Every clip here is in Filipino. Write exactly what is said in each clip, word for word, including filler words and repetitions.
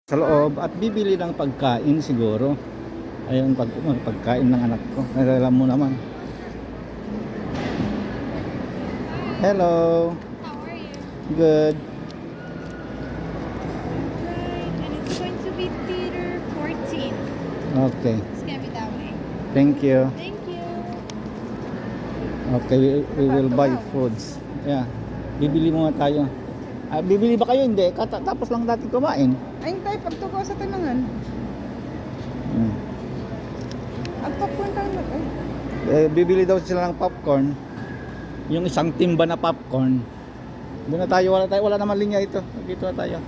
Sa loob at bibili ng pagkain siguro. Ayun, pag pagkain ng anak ko. Alam mo naman. Hello. How are you? Good. Right, and it's going to be theater fourteen. Okay. It's gonna be that way. Thank you. Thank you. Okay, we, we will buy foods. Yeah. Bibili muna tayo. Ah, bibili ba kayo? Hindi. Kata tapos lang natin kumain. Ay, tayo pagtuko sa tinangan. Hmm. Ang popcorn tayo mag ay. Eh, bibili daw sila ng popcorn. Yung isang timba na popcorn. Doon na tayo, wala tayo, wala naman linya ito. Dito na tayo.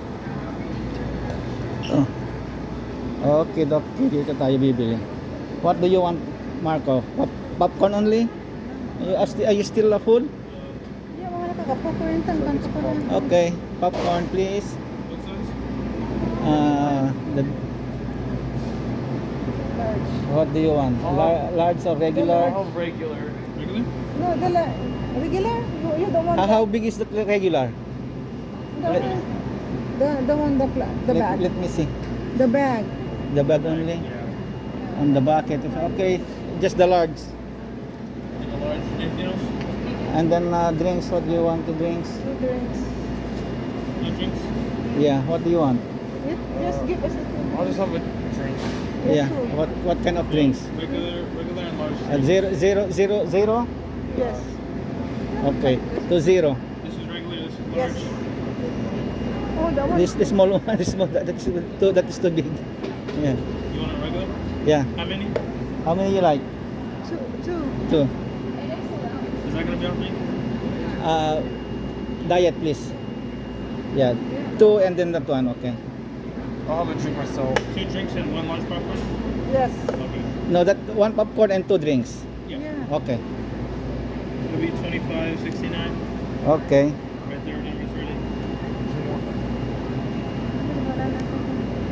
Oh. Okay, okay, dito tayo bibili. What do you want, Marco? Pop popcorn only? Are you, are sti- are you still a full? Yeah, mga nakaka-popcorn tang kanto ko lang. Okay, popcorn please. Uh, the, Large. what do you want? Lar- large or regular? I'll have regular. Regular? No, dala. Regular? You, you don't want How, the, how big is the regular? the, the, the one, the, pla- the Let, bag. let me see. The bag. The bag only? On the bucket. Okay, just the large. And a large. Anything else? And then uh, drinks, what do you want to drinks? Two drinks. No drinks? Yeah, what do you want? It, just give us a two. I'll just have a drink. Yeah, what what kind of drinks? Regular, regular and large. Uh, zero, zero, zero, zero? Yes. Okay, to zero. This is regular, this is Yes. large. Oh, that one. This the small one, the small, that, that's too, that is too big. Yeah, You want a regular? yeah. How many? How many you like? Two. Two. Two. Is that gonna be on me? Uh, diet please. Yeah, two and then that one, okay. I'll have a drink myself. Two drinks and one large popcorn? Yes. Okay. No, that one popcorn and two drinks. Yeah. Yeah. Okay, It'll be twenty-five sixty-nine. okay. Right there, number's ready. Wala na ako.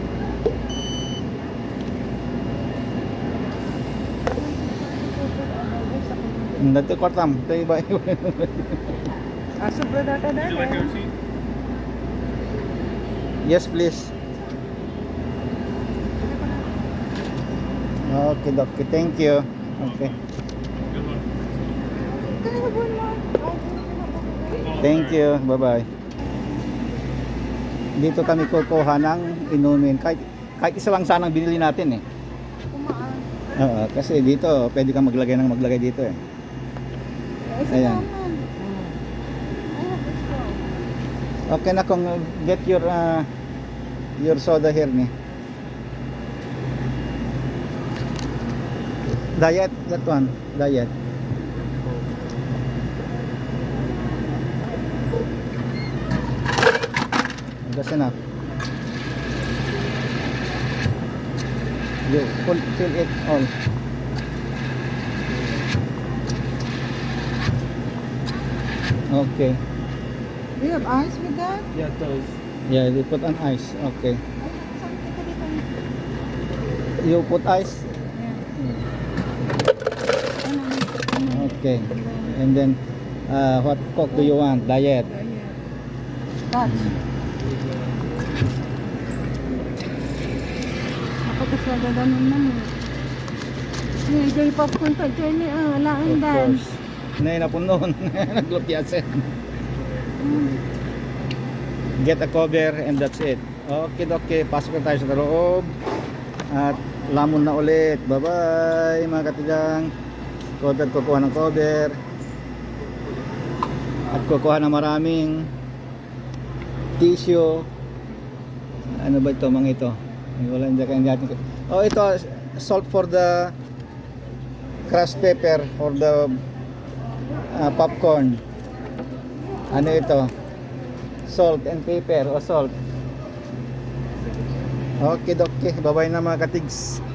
Nanti kortam, tayo ba? Ah, sobra data Would you like a data. receipt? Yes, please. Okay, okay. Thank you. Okay. Good one. Kaya na buwan mo. Oh, Thank sorry. you. Bye-bye. Dito kami kukuha ng inumin. Kahit, kahit isa lang sanang binili natin eh. Kumaan. Oo, kasi dito, pwede kang maglagay ng maglagay dito eh. Ay, Ayan. sa naman. Ay, gusto. Okay na kung get your uh, your soda here ni. Diet, that one. Diet. That's enough. You full, fill it all. Okay. Do you have ice with that? Yeah, it does. Yeah, you put on ice. Okay. Ay, something ka dito. You put ice. Ano? Okay. And then, uh, what coke do you want? Diet. Touch. Ako to sa gaganon naman. Ni jay popcorn ka jay ni ah lain Of dan. course. Nay na po noon. Naglupyasin. Get a cover and that's it. Okay, okay. Pasok na tayo sa loob. At lamon na ulit. Bye-bye mga katigang. Cover, kukuha ng cover. At kukuha ng maraming tissue. Ano ba ito mga ito? Ay, wala hindi kayo natin. Oh, ito salt for the crushed pepper for the uh, popcorn. Ano ito? Salt and pepper o salt. Okay, okay. Bye-bye na mga katigs.